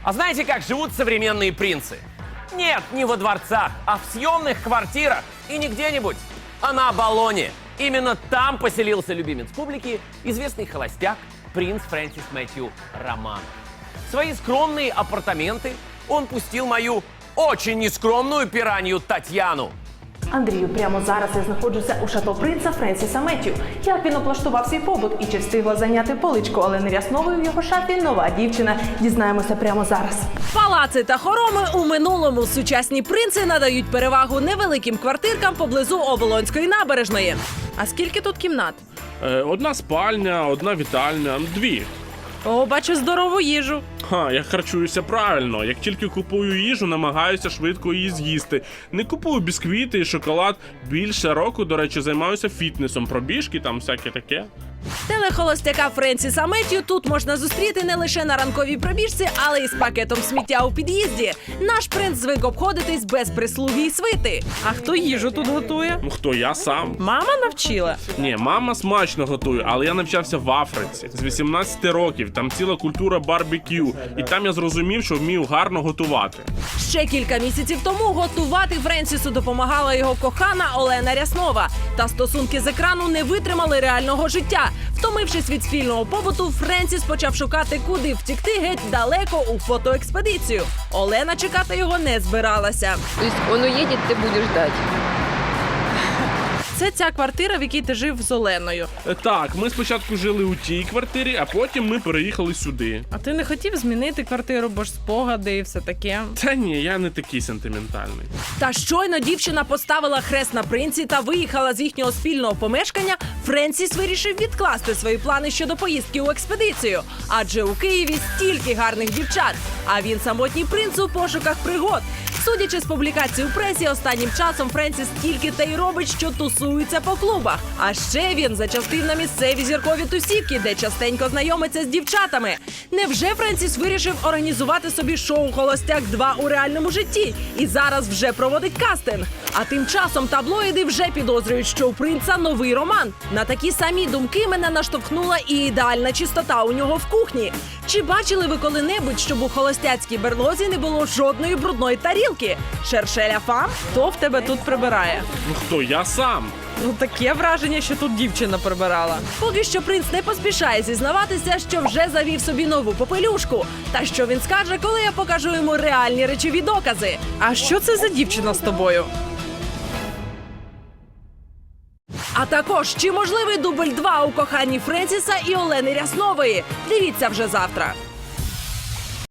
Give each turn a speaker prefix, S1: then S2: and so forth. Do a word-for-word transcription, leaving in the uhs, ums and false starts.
S1: А знаете, как живут современные принцы? Нет, не во дворцах, а в съемных квартирах. И не где-нибудь, а на Оболоне. Именно там поселился любимец публики, известный холостяк, принц Фрэнсис Мэтью Романов. В свои скромные апартаменты он пустил мою очень нескромную пиранью Татьяну.
S2: Андрію, прямо зараз я знаходжуся у шато принца Френсіса Меттью. Як він облаштував свій побут і чи встигла зайняти поличку Олени Ряснової в його шафі нова дівчина? Дізнаємося прямо зараз.
S3: Палаци та хороми у минулому. Сучасні принци надають перевагу невеликим квартиркам поблизу Оболонської набережної. А скільки тут кімнат?
S4: Е, одна спальня, одна вітальня, дві.
S3: О, бачу здорову їжу.
S4: Ха, я харчуюся правильно. Як тільки купую їжу, намагаюся швидко її з'їсти. Не купую бісквіти і шоколад. Більше року, до речі, займаюся фітнесом, пробіжки, там всяке таке.
S3: Телехолостяка Френсіса Меттью тут можна зустріти не лише на ранковій пробіжці, але й з пакетом сміття у під'їзді. Наш принц звик обходитись без прислуги і свити. А хто їжу тут готує?
S4: Ну хто, я сам?
S3: Мама навчила.
S4: Ні, мама смачно готує, але я навчався в Африці. З вісімнадцяти років, там ціла культура барбекю. І там я зрозумів, що вмію гарно готувати.
S3: Ще кілька місяців тому готувати Френсісу допомагала його кохана Олена Ряснова. Та стосунки з екрану не витримали реального життя. Втомившись від спільного побуту, Френсіс почав шукати, куди втікти геть далеко у фотоекспедицію. Олена чекати його не збиралася.
S5: То есть он уедет, ты будешь ждать.
S3: Це ця квартира, в якій ти жив з Оленою.
S4: Е, Так, ми спочатку жили у тій квартирі, а потім ми переїхали сюди.
S3: А ти не хотів змінити квартиру, бо ж спогади і все таке?
S4: Та ні, я не такий сентиментальний.
S3: Та щойно дівчина поставила хрест на принці та виїхала з їхнього спільного помешкання, Френсіс вирішив відкласти свої плани щодо поїздки у експедицію. Адже у Києві стільки гарних дівчат, а він самотній принц у пошуках пригод. Судячи з публікацій у пресі, останнім часом Френсіс тільки те й робить, що тусується по клубах. А ще він зачастив на місцеві зіркові тусівки, де частенько знайомиться з дівчатами. Невже Френсіс вирішив організувати собі шоу «Холостяк два» у реальному житті? І зараз вже проводить кастинг. А тим часом таблоїди вже підозрюють, що у принца новий роман. На такі самі думки мене наштовхнула і ідеальна чистота у нього в кухні. Чи бачили ви коли-небудь, щоб у холостяцькій берлозі не було жодної брудної тарілки? Шершеля фам? Хто в тебе тут прибирає?
S4: Ну хто, я сам.
S3: Ну, таке враження, що тут дівчина прибирала. Поки що принц не поспішає зізнаватися, що вже завів собі нову попелюшку. Та що він скаже, коли я покажу йому реальні речові докази? А що це за дівчина з тобою? А також, чи можливий дубль два у коханні Френсіса і Олени Ряснової? Дивіться вже завтра.